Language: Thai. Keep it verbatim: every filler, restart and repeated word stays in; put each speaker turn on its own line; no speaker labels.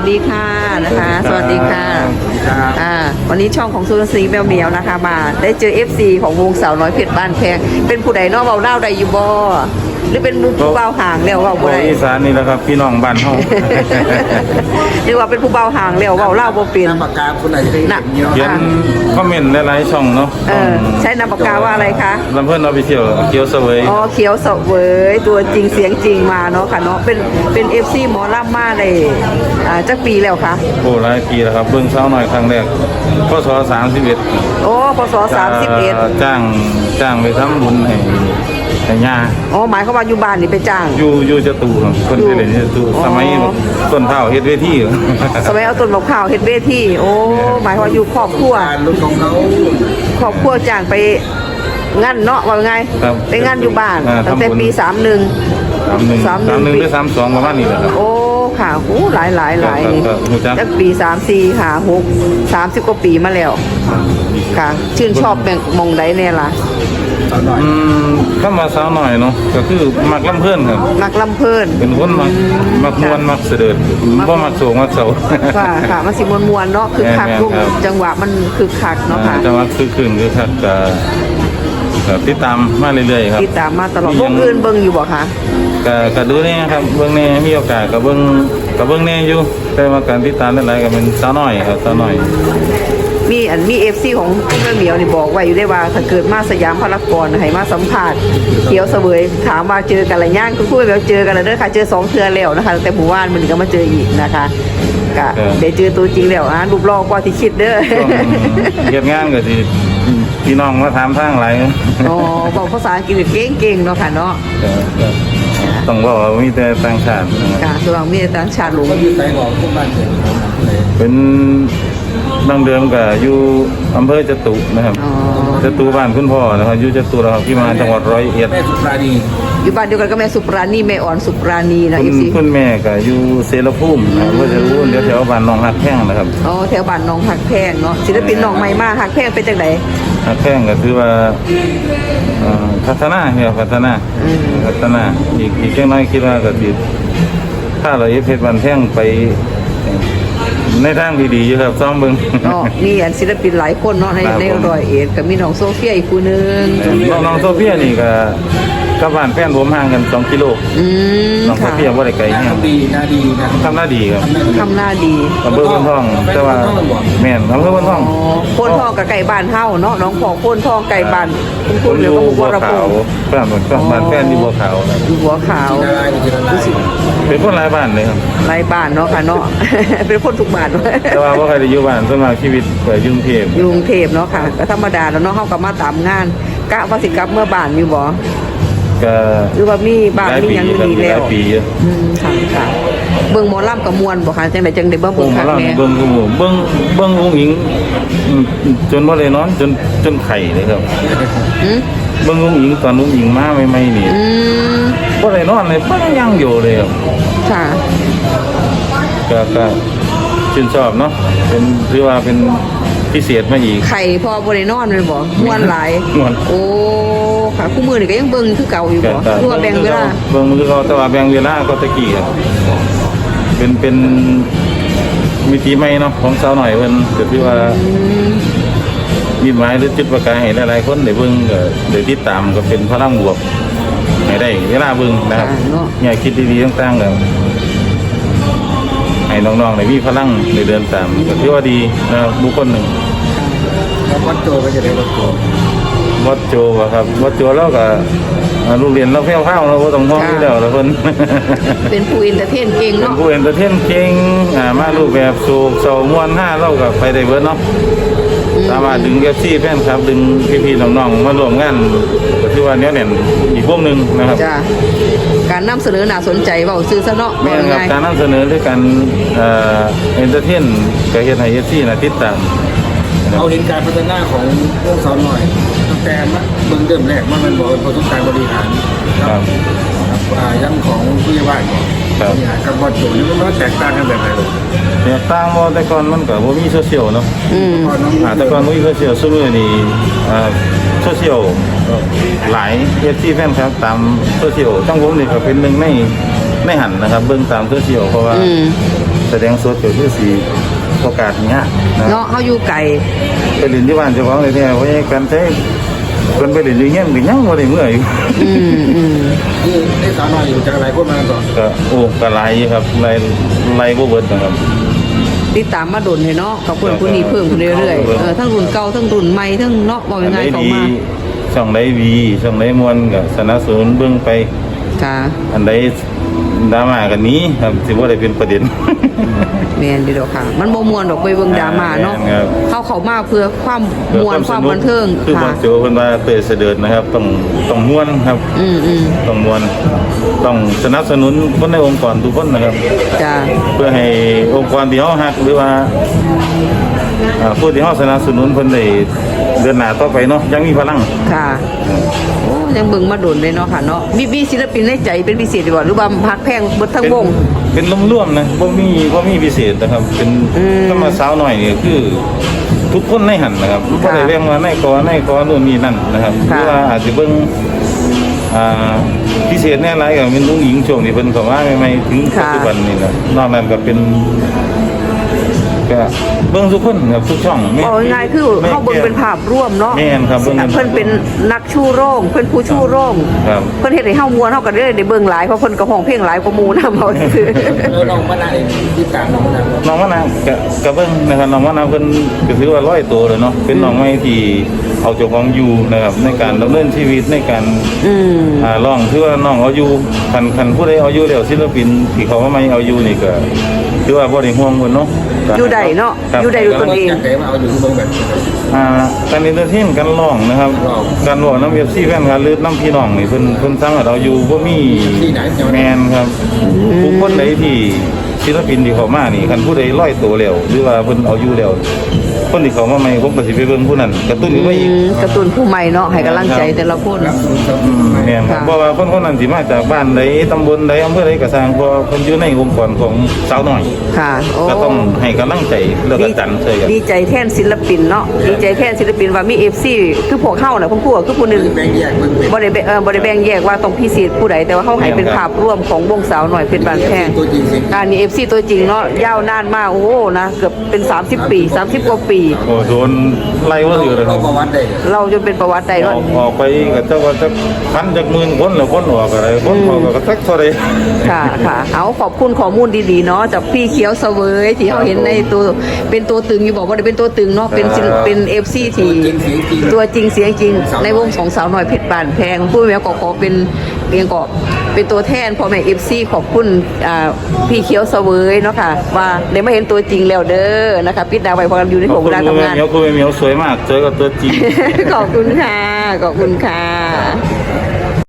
ดีค่ะนะคะสวัสดีค่ะอ่าวันนี้ช่องของซูนซีแมวเหมียวนะคะมาได้เจอ เอฟ ซี ของวงสาวน้อยเพชรบ้านแพงเป็นผู้ใดนอกเบาเล่าใดอยู่บ่หรือเป็นผู้เบาห่างแล้วเบาบ่ได้
อีสานนี่แหละครับพี่น้องบ้านเฮา
เรียกว่าเป็นผู้เบาห่างแล้วเบาเล่าบ่เป็น
น้ำปากกาคนไหนจะได้เห็นเยอะ
เขียนคอมเมนต์หลายๆช่องเนาะ
เออใช้น้ำปากกาว่าอะไรคะ
ลำเพิ่นออฟฟิเชียลเขียวเสวย
อ๋อเขียวเสวยตัวจริงเสียงจริงมาเนาะค่ะเนาะเป็นเป็น เอฟ ซี หมอลำมาได้อ่าจักปีแล้วคะ
โอ้หลายปีแล้วครับเบิ่งสาวน้อยครั้งแรกพศสามสิบเอ็ด
โอ้พศสามสิบเอ็ด
จ้างจ้างไปทำบุญให้ให้ย่า
อ๋อหมายความว่าอยู่บ้านนี่ไปจ้าง
อยู่อยู่จตุครับคนไปเล่นจตุสมัยต้นเฒ่าเฮ็ดเวที
สมัยเอาต้นมะพร้าวเฮ็ดเวทีโอ้หมายความว่าอยู่ครอบครัว
รถของเขา
ครอบครัวจ้างไปงานเนาะว่าไงไปงานอยู่บ้านตั้งแต่ปีสามหนึ่ง
สามหนึ่งสามหนึ่งหรือสามสองประมาณนี้แหละครับ
โอ้ค่ะโอ้หลายหลายหลายจากปีสามสี่ค่ะหกสามสิบกว่าปีมาแล้วค่ะชื่นชอบแบ่งมองใดแน่ล่ะ
อืมก็มาสาวหน่อยเนาะก็คือมักลำเพิ่นครับ
มักลำเพิ่น
เป็นคนมักมักมวนมักเสด็จบ่มักโศกมักเศร้า
ค่ะค่ะมันสิมวนๆเนาะคือคักทุกจังหวะมันคือคักเนาะค่ะ
จังหวะคือคืนคือคักก็ติดตามมาเรื่อยๆครับ
ติดตามมาตลอดวงอื่นเบิ่งอยู่บ่คะ
ก็ก็ดูแน่ครับเบิ่งแน่มีโอกาสก็เบิ่งก็เบิ่งแน่อยู่แต่ว่าการติดตามหลายๆก็เป็นสาวน้อยครับสาวน้อย
มีอันมี เอฟ ซี ของเรื่องเหมียวนี่บอกไว้อยู่ได้ว่าถ้าเกิดมาสยามพารากอนให้มาสัมภาษณ์เขียวเสวยถามว่าเจอกันหรือยังคุณพูดแบบเจอกันแล้วเด้อค่ะเจอสองเทื่อแล้วนะคะแต่หมู่บ้านมันก็มาเจออีกนะคะก็ได้เจอตัวจริงแล้วอ่ะรูปหล่อกว่าที่คิดเด้อ
เฮ็ดงานก็สิพี่น้องมาถามทางหลาย
อ๋อบอกภาษาอังกฤษเก่งๆเนาะค่ะเนาะ
ต้องบอกว่ามีแต่ต่างชาติ
ค่ะตัวมีแต่ต่างชาติหลง
อยู่ไต้หวันทุกบ้าน
เป็นดั้งเดิมก็อยู่อำเภอจตุนะครับจตุบ้านคุณพ่อนะครับอยู่จตุเราที่มาจังหวัดร้อยเอ็ด
แม่สุปราณี
อยู่บ้านเดียวกันก็แม่สุปราณีแม่อ่อนสุปราณีนะอีสิ
คุณแม่ก็อยู่เสรภูมินะก็จะรู้เดี๋ยวแถวบ้านหนองหักแพงนะครับ
อ๋อแถวบ้านหนองหักแพงเนาะศิลปินหนองใหม่มากหักแพงเป็นจังได
หักแพงก็คือว่าพัฒนาเนี่ยพัฒนาพัฒนาอีกอีกแค่น้อยคิดว่าก็สิถ้าเราเอฟเพชรวันแท่งไปในทางที่ดีอยู่ครับซ้อมเบิ่ง
อ๋อมีอันศิลปินหลายคนเนาะในในร้อยเอ็ดก็มีน้องโซเฟียอีกผู้นึง
น้องน้องโซเฟียนี่ก็กับบ้านแฟนผมห่างกันสองกิโล
อืม
น้องโซเฟียบ่ได้ไกลเนี่ย
ทำดีน่าดีนะ
ทำหน้าดีครับ
ทำหน้าดี
อำเภอพนทองแต่ว่าแม่นอำเภอพนทอง
อ๋อพนทองกับไก่บ้านเฮาเนาะน้องพ่อพนทองไก่บ้านคุณคุณแล้วก็บัวขาว
แฟนผมบ้านแฟนที่บัวขาวนะ
บัวขาว
เป็นคนหลายบ้านเลยครับ
หลายบ้านเนาะค่ะเนาะเป็นคนทุกบ้าน
แต่ว่าบ่ใครได้อยู่บ้านส่วนมากชีวิตไปกรุงเทพ
กรุงเทพเนาะค่ะก็ธรรมดาแล้วเนาะเฮาก็มาตามงานกะว่าสิกลับเมื่อบ้านอยู่บ่
ก็
หรือว่ามีบ้านมีหยังมีแล้ว
ปี
อืมค่ะค่ะเบิ่งหมอลำกับมวลบ่ค่ะจังได๋จังได้เบิ่งเบิ่งคักแม่
เบิ่งกูเบิ่งเบิ่งอุ้งอิงจนบ่ได้นอนจนจนไข้เลยครับ
หือ
เบิ่งอุ้งอิงตอนอุ้งอิงมาใหม่ๆนี่
อืม
บ่ได้นอนเลยบ่ยังอยู่เลยครับ
ค่ะ
ก็ก็ชื่นชอบเนาะเป็นถือว่าเป็นพิเศษมาอีก
ไข่พอบ่ได้นอนเลยบ่ม่วนหลายโอ้ค่ะคู่มือนี่ก็ยังเบิ่งคือเก่าอยู่บ่คือว่าแบ่งเวลา
เบิ่งคือเก่าแต่ว่าแบ่งเวลาก็ตะกี้ครับเป็นเป็นมิติใหม่เนาะของสาวหน่อยเพิ่นก็คือว่ามีหมายหรือจุดประกายให้หลายๆคนได้เบิ่งก็ได้ติดตามก็เป็นพลังบวกให้ได้เวลาเบิ่งนะครับเนี่ยคิดดีๆต่างๆก็ให้น้องๆได้มีพลังในเดินตามก็ถือว่าดีนะครับบุคคลหนึ่ง
วัดโจก็จะได้วัดโจ
วัดโจครับวัดโจแล้วก็ลูกเรียนเราแพ้วข้าวเราต้องห้องที่แล้วเราเพิ่น
เป็นผู้เอนเตอร์เทนเก่งเนาะ
เป็นผู้เอนเตอร์เทนเก่งมารูปแบบโศกเศร้าม่วนห้าเราก็ไปได้เบิดเนาะสามารถดึง เอฟ ซี แฟนครับดึงพี่ๆน้องๆมาร่วมงานก็ถือว่าเนี้ยเนี่ยอีกพวกนึงนะครับ
จ้าการนำเสนอน่าสนใจเว้าซื่อซะเนาะ
แม่นครับการนำเสนอด้วยกันเอ่อเอนเตอร์เทนก็เฮ็ดให้ เอฟ ซี น่ะติดตาม
เอาเห็นการพัฒนาของพวกสาวหน่อยตั้งแต่เบื้องเริ่มแรกมันมันบอกพอต้องการบริหารครับยังของผู้ใหญ่บ้านบริหารกับวัดโจนี่มันแตกต่างกันแบบไหนลูก
แตกต่างบ่แต่ก่อนมันก็บ่มีโซเชียลเนาะอืมแต่ก่อนบ่มีโซเชียลซุมื้อนี้อ่าโซเชียลหลาย เอฟ ซี แฟนครับตามโซเชียลจังผมนี่ก็เป็นหนึ่งในในหันนะครับเบิ่งตามโซเชียลเพราะว่าแสดงสดก็คือสีโอกาสเนี้ยนะ
เนาะเฮาอยู่ไกล
ไปเรียนที่บ้านเจ้าของเลยเนี่ยเพราะการใช้คนไปเรียนอยู่เงี้ยมันยังไม่ได้เมื่อย
อืมอืม
นี่ได้สาวน้อยอยู่จากอะไรพวกมันก่อน
ก็โอ้ก็ไล่ครับไล่ไล่บ่เบิดนะครับ
ติดตามมาดนให้เนาะกับคนผู้นี้เพิ่มขึ้นเรื่อยๆเออทั้งรุ่นเก่าทั้งรุ่นใหม่ทั้งเนาะว่ายังไงเข้ามา
ช่องไดวีช่องไดมวนก็สนับสนุนเบิ่งไป
ค่ะ
อันใดดราม่ากันนี้ครับสิบ่ได้เป็นประเด็น
แม่นอยู่ดอกค่ะ มันบ่ม่วนดอกไปเบิ่งดราม่าเนาะ
แม่นครับ
เข้าเข้ามาเพื่อความม่วนความบันเทิง
คือบ่
ค่ะ
โจเพิ่นว่าเตยเสด็จนะครับต้องต้องม่วนครับ
อืมอืม
ต้องม่วนต้องสนับสนุนคนในองค์กรทุกคนนะครับ
จ้า
เพื่อให้องค์กรที่เฮาฮักหรือว่าอ่าผู้ที่เฮาสนับสนุนเพิ่นได้เดินหน้าต่อไปเนาะยังมีพลัง
ค่ะโอ้ยังเบิ่งมาดนเลยเนาะค่ะเนาะมีมีศิลปินในใจเป็นพิเศษดีกว่าหรือว่าพักแพงเบิดทั้งวง
เป็นร่วมๆนะบ่มีบ่มีพิเศษนะครับ เป็น
อืม
ก็มาสาวหน่อยนี่คือ ทุกคนในหันนะครับบ่ได้เรียกว่าในกอในกอนู่นนี่นั่นนะครับห
ค่ะ
รือว่าอาจจะเบิ่งอ่าพิเศษแน่หลายก็เป็นลุงหญิงช่วงที่เพิ่นเข้ามาใหม่ๆถึงปัจจุบันนี่นะนอกนั้นก็เป็นก็เบิ่งทุกคนครับทุกช่องไม่
เอาง่ายๆคือ
ไม่
เข้าเบิ่งเป็นภาพร่วมเนาะ
แม่นครับเบิ่งเป็น
เพิ่นเป็นนักชูโรงเพิ่นผู้ชูโรง
ครับ
เพิ่นเฮ็ดให้เฮาม่วนเฮาก็ได้ได้เบิ่งหลายเพราะเพิ่นก็ร้องเพลงหลายกว่าหมู่นำเอาซื่อ
แล้วน้องมะนาวเองที่ตามน้องมะนาว
น้องมะนาวก็ก็เบิ่งนะครับน้องมะนาวเพิ่นก็ถือว่าร้อยตัวเลยเนาะเป็นน้องใหม่ที่เอาเจ้าของอยู่นะครับในการดำเนินชีวิตในการ
อืม
อ่าร้องถือว่าน้องเอาอยู่คันคันผู้ใดเอาอยู่แล้วศิลปินที่เขาว่าไม่เอาอยู่นี่ก็ถือว่าบ่ได้ห่วงเพิ่นเนาะ
อยู่ใดเนาะ
ครับ
อยู่ใดด้วยตนเอง
จากไหนมาเอาอยู่ที่เมืองแบบ
อ่าการเอนเตอร์เทนการร้องนะครับ
ร้อง
การร้องน้ำ เอฟ ซี แฟนการหรือน้ำพี่น้องนี่เพิ่นเพิ่นสามารถเอาอยู่บ่มี
ที่ไหนจังหวัด
แมนครับผู้คนใดที่ศิลปินที่เขามานี่คันผู้ใดร้อยตัวแล้วหรือว่าเพิ่นเอาอยู่แล้วคนที่เขามาใหม่ผมก็สิไปเบิ่งผู้นั้นกระตุ้นขึ้นมาอีก
อืมการ์ตูนผู้ใหม่เนาะให้กำลังใจแต่ละคน
รับรู้ครับ
อืมแม่นครับ
ค่ะ
เพราะว่าคนคนนั้นสิมาจากบ้านใดตำบลใดอำเภอใดก็สร้างเพราะเพิ่นอยู่ในองค์กรของสาวน้อย
ค่ะโอ้
ก็ต้องให้กำลังใจแล้วก็จันเชยกัน
ดีใจแทนศิลปินเนาะดีใจแทนศิลปินว่ามี เอฟ ซี คือพวกเฮาน่ะพวกพวกคือผู้หนึง
แบ่งแยกมันเป็น
บ่ได้แบ่งเออบ่ได้แบ่งแยกว่าต้องพิเศษผู้ใดแต่ว่าเฮาให้เป็นภาพรวมของวงสาวน้อยเพชรบานแพง
ตัวจริงสิ
การมี เอฟ ซี ตัวจริงเนาะยาวนานมากโอ้โหนะเกือบเป็นสามสิบปีสามสิบกว่าปี
โอ้โดนไล่ว่าอยู่เลยค
เรา
รับ
ประวัติได้
เราจนเป็นประวัติใด
อ
เนาะ
อกออกไปก็จะว่าจะพันจากหมื่นคนแล้วคนออกอะไรคนออกก็สักเท่าไร
ค่ะค่ะเอาขอบคุณข้อมูลดีๆเนาะจากพี่เขียวเสวยที่เราเห็นในตัวเป็นตัวตึงอยู่บอกว่าได้เป็นตัวตึงเนาะเป็นศิลป์เป็น เอฟ ซี ที่ตัวจริงเสียงจริงในวงของสาวน้อยเพชรบานแพงผู้แม่ก็ขอเป็นเพียงก็เป็นตัวแทนพ่อแม่ เอฟ ซี ขอบคุณอ่าพี่เขียวเสวยเนาะค่ะว่าได้มาเห็นตัวจริงแล้วเด้อนะคะปิดดาวไว้พอกันอยู่ในผมเวลาทำงาน
เหมียวคุณเหมียวสวยมากเจอกับตัวจริง
ขอบคุณค่ะ ขอบคุณค่ะ